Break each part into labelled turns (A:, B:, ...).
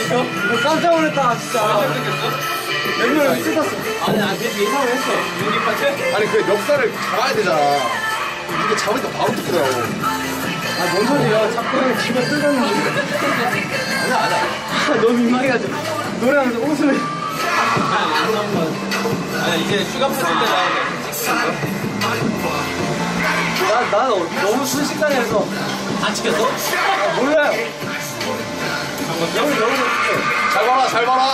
A: 깜짝 놀랐다 진짜. 멤버를 뜯었어.
B: 아니 안 되지 예상을 했어. 여기 파트?
C: 아니 그 멱살을 잡아야 되잖아. 이게 잡으니까 바로 뜯더라고.
A: 아뭔 소리야? 자꾸 집에 뜯었는데.
C: 아니야.
A: 너무 민망해가지고 노래하면서 웃음을.
B: 아니 이제 슈가 파트 때 나오네.
A: 난 너무 순식간에 해서
B: 다 찍혔어?
A: 몰라요.
C: 잘 봐라, 잘 봐라.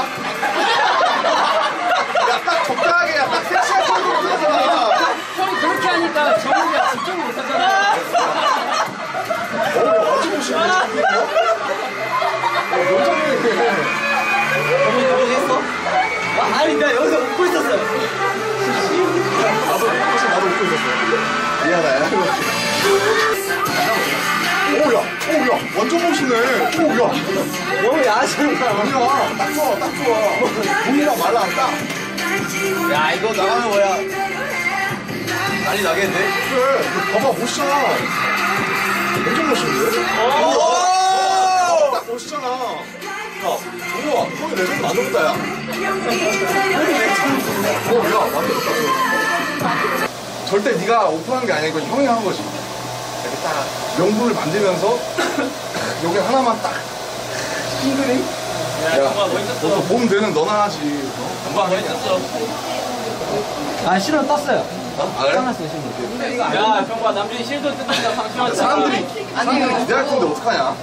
C: 야, 딱 적당하게, 야, 딱 섹시한 톤으로 뜯었잖아.
B: 형이 그렇게 하니까 정우가 집중 못하잖아.
C: 어찌 보시면
A: 정말 결혼했어? 아니 나 여기서 웃고 있었어요.
C: 나도 웃고 있었어. 미안해. 오야, 완전 멋있네. 오야.
A: 너무 야하잖아.
C: 아니야, 딱 좋아, 딱 좋아. 몸이랑 말라, 딱.
B: 야 이거 나가면 뭐야? 난리 나겠네.
C: 그래, 이거 봐봐, 멋있잖아. 완전 멋있는데? 딱 멋있잖아. 야, 정우야, 형이 레전드 만들었다, 야. 야, 만들었다, 절대 네가 오픈한 게 아니야. 이건 형이 한 거지. 이렇게 딱 명분을 만들면서 여기 하나만 딱 싱글링?
B: 야 정말 멋있었어.
C: 너도 몸 되는 너나 하지.
B: 정말 멋있었어.
A: 아 실은 떴어요.
C: 아, 그래?
A: 떠났어요 실은.
B: 야 정말 남준이 실도 뜯는다 방심하지.
C: 사람들이 기대할 텐데 어떡하냐?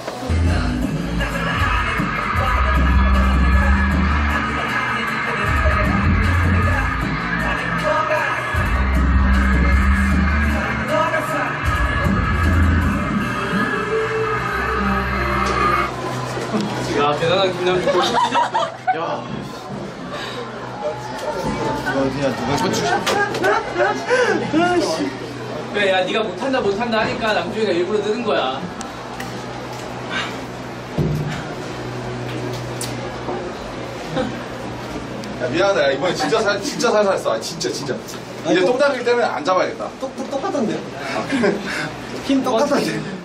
B: 야 대단한 김남준.
C: 야. 그냥 누가 쳐주시
B: 그래 야 네가 못한다 하니까 남준이가 일부러 뜯은 거야.
C: 야, 미안하다. 야, 이번에 진짜 살살 했어. 아, 진짜. 이제 똥 닦을 때는 안 잡아야겠다.
A: 똑같던데요? 힘 똑같던데.